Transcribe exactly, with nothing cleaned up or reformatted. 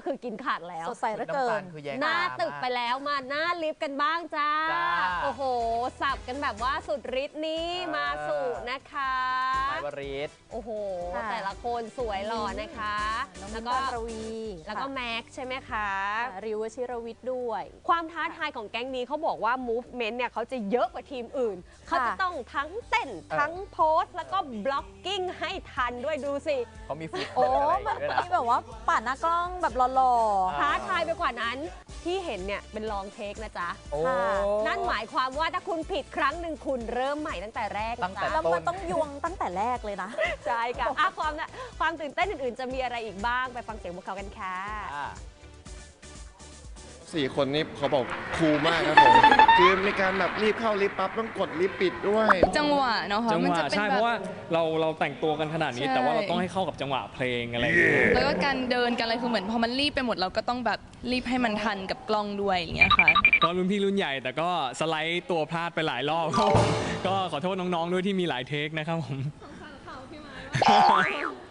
คือกินขาดแล้วสดใสเหลือเกินหน้าตึกไปแล้วมาหน้าลิฟต์กันบ้างจ้าโอ้โหสับกันแบบว่าสุดฤทธิ์นี้มาสู่นะคะนายวริศโอ้โหแต่ละคนสวยหล่อนะคะแล้วก็รวีแล้วก็แม็กใช่ไหมคะริวชิรวิทย์ด้วยความท้าทายของแก๊งนี้เขาบอกว่า movement เนี่ยเขาจะเยอะกว่าทีมอื่นเขาจะต้องทั้งเต้นทั้งโพสแล้วก็บล็อกกิ้งให้ทันด้วยดูสิเขามีฟุตโอ้มันมีแบบว่าป่าหน้ากล้องแบบหล่อๆท้าทายไปกว่านั้นที่เห็นเนี่ยเป็นลองเทคนะจ๊ะนั่นหมายความว่าถ้าคุณผิดครั้งหนึ่งคุณเริ่มใหม่ตั้งแต่แรกตั้งแต่แล้วมันต้องยวงตั้งแต่แรกเลยนะใช่ค่ะความความตื่นเต้นอื่นๆจะมีอะไรอีกบ้างไปฟังเสียงพวกเขากันค่ะสี่คนนี้เขาบอกคูลมากครับผมคือในการแบบรีบเข้าลิฟต์ปั๊บต้องกดลิฟต์ปิดด้วยจังหวะเนาะจังหวะใช่เพราะว่าเราเราแต่งตัวกันขนาดนี้แต่ว่าเราต้องให้เข้ากับจังหวะเพลงอะไรอย่างเงี้ยแล้วก็การเดินกันอะไรคือเหมือนพอมันรีบไปหมดเราก็ต้องแบบรีบให้มันทันกับกล้องด้วยอย่างเงี้ยค่ะก็รุ่นพี่รุ่นใหญ่แต่ก็สไลด์ตัวพลาดไปหลายรอบก็ขอโทษน้องๆด้วยที่มีหลายเทคนะครับผม